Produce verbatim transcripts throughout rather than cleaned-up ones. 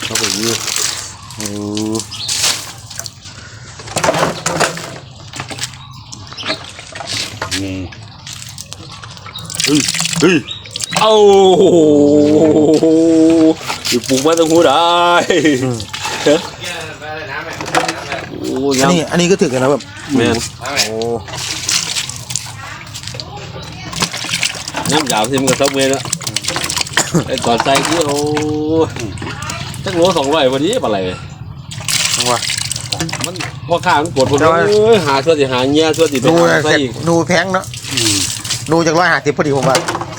เขาไปยืดโอ้นี่เฮ้ยเฮ้ยเอาอยู่ปลูกมาตรงหูได้โอ้ยอันนี้อันนี้ก็ถึกกันนะแบบแม่นโอ้น้ำยาวที่มันก็ต้องเมนละไอ้ก่อนใจกูโอ้ตั้งโลสองร้อยวันนี้อะไรทั้งว่ามันพอข้ามันปวดปวดเลยหาส่วนที่หาเงี้ยส่วนที่ไปดูหาเสร็จดูแพงเนาะดูจากร้อยห้าสิบพอดีผมว่า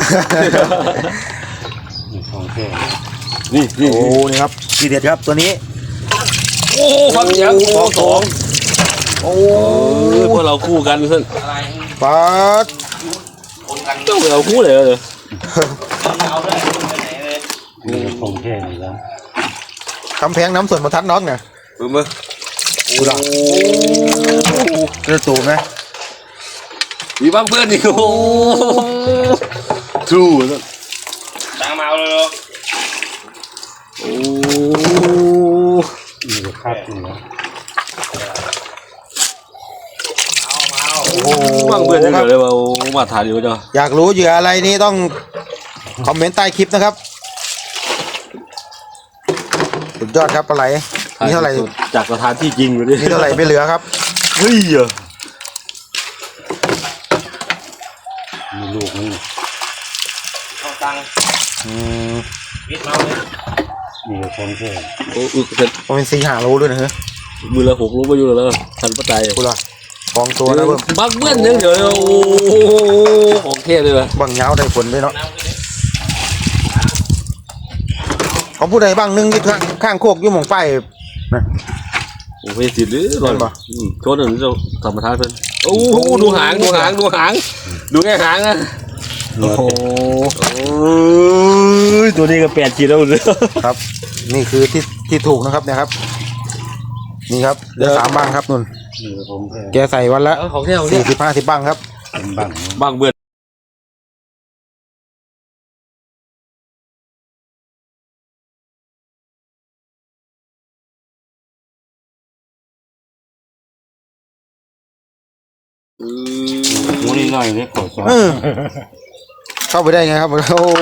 นี่นี่โอ้นี่ครับทีเด็ดครับตัวนี้โอ้ความเสียงสองสองโอ้พวกเราคู่กันเพื่อนปัดเจ้าเราคู่เลยเลยของแค่นี้แล้วคำแพงน้ำส่วนมาทัดน้องเนี่ยเบิ่งมั้ยโอ้กระตูไหมมีบ้างเพื่อนนี่โอ้ทรูตั้งมาเอาเลยโอ้มีแต่คาดอยู่แล้วโอ้โหบ้างเพื่อนยังเลยว่ามาถ่ายอยู่จ้ะอยากรู้เหยื่ออะไรนี่ต้องคอมเมนต์ใต้คลิปนะครับสุดยอดครับปลาไหลนี่เท่าไหร่จากสถานที่จริงเลยดินี่เท่าไหร่ไม่เหลือครับเฮ้ยมีลูกมันอืมมีแต่ของแค่โอ้อึกเสร็จมันเป็นสีหาโลด้วยนะเฮ้ยมือละหกรู้ไปอยู่แล้วทันปัจจัยกูละกองตัวนะเบิ่มบักเบิ้ลยังเดี๋ยวโอ้ของเทเลยว่ะบังยาวได้ผลด้วยเนาะของผู้ใดบ้างนึงที่ข้างข้างโคกอยู่หม่องไฟนะโอ้ไม่สิหรือร้อนเห็นปะโทษหนึ่งจะธรรมทานเพิ่นโอ้ดูหางดูหางดูหางดูแค่หางนะโอ้โหโอ้ยตัวนี้ก็แปดขีดแล้วเลยครับ นี่คือที่ที่ถูกนะครับเนี่ยครับ นี่ครับเหลือสามบ้างครับนุ่นมีแต่ของแค่แกใส่วันละของเที่ยวเนี่สี่ยสิบห้าสิบบ้างครับเป็นบังบางเบิ้ลอืมหูนี่หน่อยนี่ขอซ้อนเออเข้าไปได้ไงครับโอ้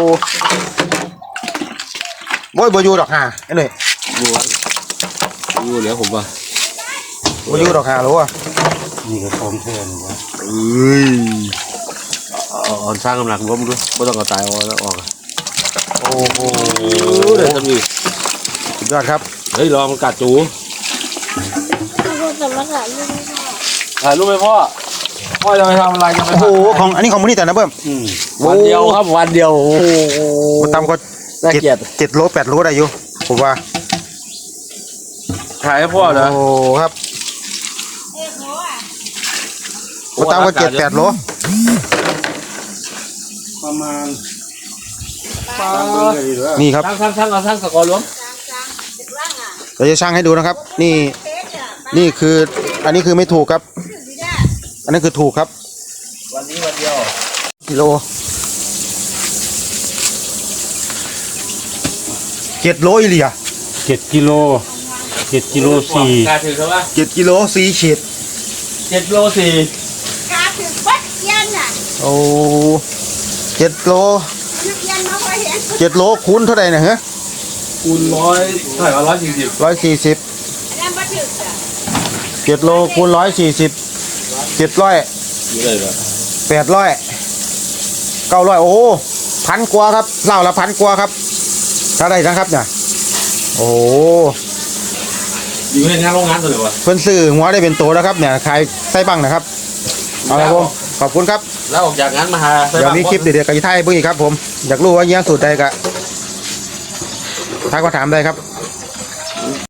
โบยบอยูดอกหาไอ้หน่อยดูวะดูเหลือผมป่ะบอยูดอกหาหรือวะมีแต่ของแค่นี้แล้วเอ้ยเอาเอาสร้างกำลังล้มด้วยไม่ต้องเอาตายเอาแล้วออกอะโอ้โหเดี๋ยวทำดีสุดยอดครับเฮ้ยรอมันกัดจูพ่อจะมาถ่ายรูปให้พ่อถ่ายรูปไหมพ่อพ่อจะไปทำอะไรจะไปโอ้โหของอันนี้ของมูนี่แต่นะเบิ้มอืมวันเดียวครับวันเดียวโอ้โหมันทำก็น่าเจ็ดเกลียดเจ็ดโลแปดโลได้อยู่ผมว่าถ่ายให้พ่อนะโอ้ครับมันทำก็เจ็ดแปดโลประมาณนี่ครับทั้งทั้งทั้งเอาทั้งสกอร์รวมเราจะช่างให้ดูนะครับ นี่นี่คืออันนี้คือไม่ถูกครับ อันนี้คือถูกครับวันนี้วันเดียวกิโลเจ็ดโลอีหลีอะเจ็ดกิโลเจ็ดกิโลสี่กาถือเขาว่าเจ็ดกิโลสี่ขีดเจ็ดโลสี่กาถึงวัดเย็นน่ะโอ้เจ็ดโลนักเรียนมาพอเห็นเจ็ดโลคูณเท่าไหร่นะฮะคูณร้อยเท่าไหร่ร้อยสี่สิบร้อยสี่สิบอันนั้นมาถึงอ่ะเจ็ดโลคูณร้อยสี่สิบเจ็ดร้อยนี่เลยเหรอแปดร้อยเก้าร้อยโอ้พันกว่าครับเหล่าละพันกว่าครับถ้าได้นะครับเนี่ยโอ้อยู่ในงานโรงงานตัวไหนวะเพิ่นซื้อหัวได้เป็นตัวแล้วครับเนี่ยขายไส้บังนะครับเอาละผมขอบคุณครับแล้วออกจากงานมาหาเดี๋ยวมีคลิปเด็ดๆกับอีไทยเพื่อนอีกครับผมอยากรู้ว่าเยี่ยงสูตรใดกะทักมาถามได้ครับ